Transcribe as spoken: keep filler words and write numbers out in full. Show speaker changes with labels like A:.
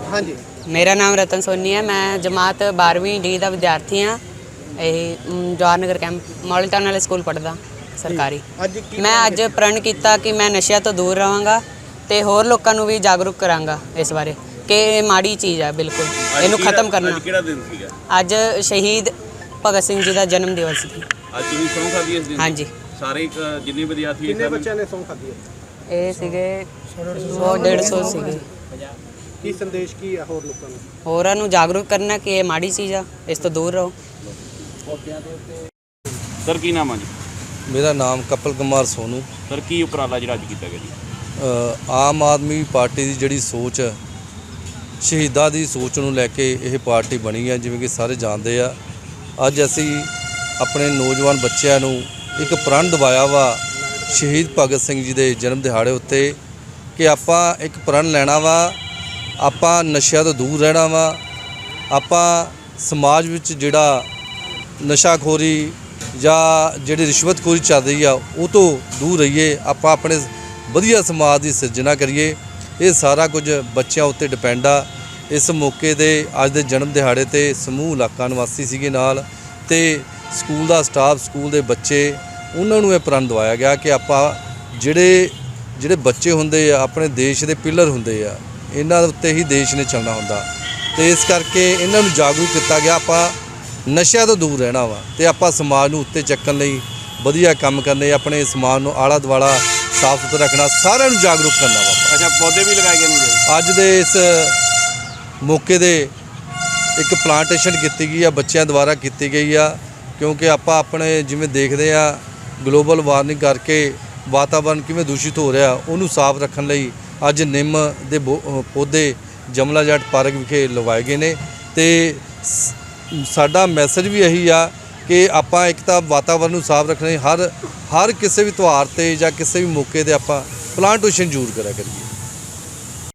A: हाँ जी,
B: मेरा नाम रतन सोनी है। मैं जमात बारहवीं डी का विद्यार्थी हाँ। यही Jawahar Nagar camp model town वाले स्कूल पढ़दा सरकारी।
A: ਅੱਜ ਕੀ
B: मैं अज प्रण किया कि मैं नशे तो दूर रहांगा ते होर लोगों नूं भी जागरूक करांगा इस बारे कि ये माड़ी चीज़ है, बिल्कुल इनू खत्म करना।
C: ਅੱਜ ਕਿਹੜਾ ਦਿਨ ਸੀਗਾ?
B: अज शहीद भगत सिंह जी का जन्म दिवस ਸੀ।
C: ਅੱਜ ਤੁਸੀਂ ਸਹੁੰ ਖਾਧੀ ਇਸ ਦਿਨ?
B: हाँ जी,
C: ਸਾਰੇ ਇੱਕ ਜਿੰਨੇ ਵਿਦਿਆਰਥੀ
A: ਕਿੰਨੇ
C: ਸਨ,
A: ਬੱਚਿਆਂ ਨੇ ਸਹੁੰ ਖਾਧੀ ਹੈ?
B: ये सीगे सौ डेढ़ सौ सीगे।
A: ਕੀ ਸੰਦੇਸ਼ ਕੀ ਹੈ ਹੋਰ ਲੋਕਾਂ ਨੂੰ?
B: होरां नूं जागरूक करना कि ये माड़ी चीज़ है, इस तो दूर रहो।
C: ਸਰ ਕੀ ਨਾਮ ਆ ਜੀ?
D: मेरा नाम कपिल कुमार सोनू।
C: ਸਰ ਕੀ ਉਪਰਾਲਾ ਜਿਹੜਾ ਅੱਜ ਕੀਤਾ ਗਿਆ ਜੀ?
D: ਅ, ਆਮ ਆਦਮੀ ਪਾਰਟੀ ਦੀ ਜਿਹੜੀ ਸੋਚ ਹੈ, ਸ਼ਹੀਦਾਂ ਦੀ ਸੋਚ ਨੂੰ ਲੈ ਕੇ ਇਹ ਪਾਰਟੀ ਬਣੀ ਹੈ। ਜਿਵੇਂ ਕਿ ਸਾਰੇ ਜਾਣਦੇ ਆ, ਅੱਜ ਅਸੀਂ ਆਪਣੇ ਨੌਜਵਾਨ ਬੱਚਿਆਂ ਨੂੰ ਇੱਕ ਪ੍ਰਣ ਦਿਵਾਇਆ ਵਾ ਸ਼ਹੀਦ ਭਗਤ ਸਿੰਘ ਜੀ ਦੇ ਜਨਮ ਦਿਹਾੜੇ ਉੱਤੇ ਕਿ ਆਪਾਂ ਇੱਕ ਪ੍ਰਣ ਲੈਣਾ ਵਾ, ਆਪਾਂ ਨਸ਼ਿਆਂ ਤੋਂ ਦੂਰ ਰਹਿਣਾ ਵਾ, ਆਪਾਂ ਸਮਾਜ ਵਿੱਚ ਜਿਹੜਾ ਨਸ਼ਾਖੋਰੀ ਜਾਂ ਜਿਹੜੀ ਰਿਸ਼ਵਤਖੋਰੀ ਚੱਲ ਰਹੀ ਆ ਉਹ ਤੋਂ ਦੂਰ ਰਹੀਏ, ਆਪਾਂ ਆਪਣੇ ਵਧੀਆ ਸਮਾਜ ਦੀ ਸਿਰਜਣਾ ਕਰੀਏ। ਇਹ ਸਾਰਾ ਕੁਝ ਬੱਚਿਆਂ ਉੱਤੇ ਡਿਪੈਂਡ ਆ। ਇਸ ਮੌਕੇ ਦੇ ਅੱਜ ਦੇ ਜਨਮ ਦਿਹਾੜੇ ਤੇ ਸਮੂਹ ਇਲਾਕਾ ਨਿਵਾਸੀ ਸੀਗੇ ਨਾਲ, ਤੇ ਸਕੂਲ ਦਾ ਸਟਾਫ, ਸਕੂਲ ਦੇ ਬੱਚੇ, ਉਹਨਾਂ ਨੂੰ ਇਹ ਪ੍ਰਣ ਦਿਵਾਇਆ ਗਿਆ ਕਿ ਆਪਾਂ ਜਿਹੜੇ ਜਿਹੜੇ ਬੱਚੇ ਹੁੰਦੇ ਆ ਆਪਣੇ ਦੇਸ਼ ਦੇ ਪਿਲਰ ਹੁੰਦੇ ਆ, ਇਹਨਾਂ ਦੇ ਉੱਤੇ ਹੀ ਦੇਸ਼ ਨੇ ਚੱਲਣਾ ਹੁੰਦਾ, ਤੇ ਇਸ ਕਰਕੇ ਇਹਨਾਂ ਨੂੰ ਜਾਗਰੂਕ ਕੀਤਾ ਗਿਆ ਆਪਾਂ ਨਸ਼ਿਆਂ ਤੋਂ ਦੂਰ ਰਹਿਣਾ ਵਾ ਤੇ ਆਪਾਂ ਸਮਾਜ ਨੂੰ ਉੱਤੇ ਚੱਕਣ ਲਈ ਵਧੀਆ ਕੰਮ ਕਰਨੇ, ਆਪਣੇ ਸਮਾਜ ਨੂੰ ਆਲਾ ਦੁਆਲਾ ਸਾਫ ਸੁਥਰਾ ਰੱਖਣਾ, ਸਾਰਿਆਂ ਨੂੰ ਜਾਗਰੂਕ ਕਰਨਾ ਵਾ।
C: ਅੱਛਾ, ਪੌਦੇ ਵੀ ਲਗਾਏ ਗਏ ਨੇ?
D: ਅੱਜ ਦੇ ਇਸ ਮੌਕੇ ਦੇ ਇੱਕ ਪਲਾਂਟੇਸ਼ਨ ਕੀਤੀ ਗਈ ਆ, ਬੱਚਿਆਂ ਦੁਆਰਾ ਕੀਤੀ ਗਈ ਆ, ਕਿਉਂਕਿ ਆਪਾਂ ਆਪਣੇ ਜਿਵੇਂ ਦੇਖਦੇ ਆ ਗਲੋਬਲ ਵਾਰਮਿੰਗ ਕਰਕੇ ਵਾਤਾਵਰਨ ਕਿਵੇਂ ਦੂਸ਼ਿਤ ਹੋ ਰਿਹਾ, ਉਹਨੂੰ ਸਾਫ਼ ਰੱਖਣ ਲਈ ਅੱਜ ਨਿੰਮ ਦੇ ਪੌਦੇ ਜਮਲਾ ਜੱਟ ਪਾਰਕ ਵਿਖੇ ਲਗਾਏ ਗਏ ਨੇ। ਤੇ ਸਾਡਾ ਮੈਸੇਜ ਵੀ ਇਹੀ ਆ ਕਿ ਆਪਾਂ ਇੱਕ ਤਾਂ ਵਾਤਾਵਰਨ ਨੂੰ ਸਾਫ਼ ਰੱਖਣਾ, ਹਰ ਹਰ ਕਿਸੇ ਵੀ ਤਿਉਹਾਰ 'ਤੇ ਜਾਂ ਕਿਸੇ ਵੀ ਮੌਕੇ 'ਤੇ ਆਪਾਂ ਪਲਾਂਟੇਸ਼ਨ ਜ਼ਰੂਰ ਕਰਿਆ ਕਰੀਏ।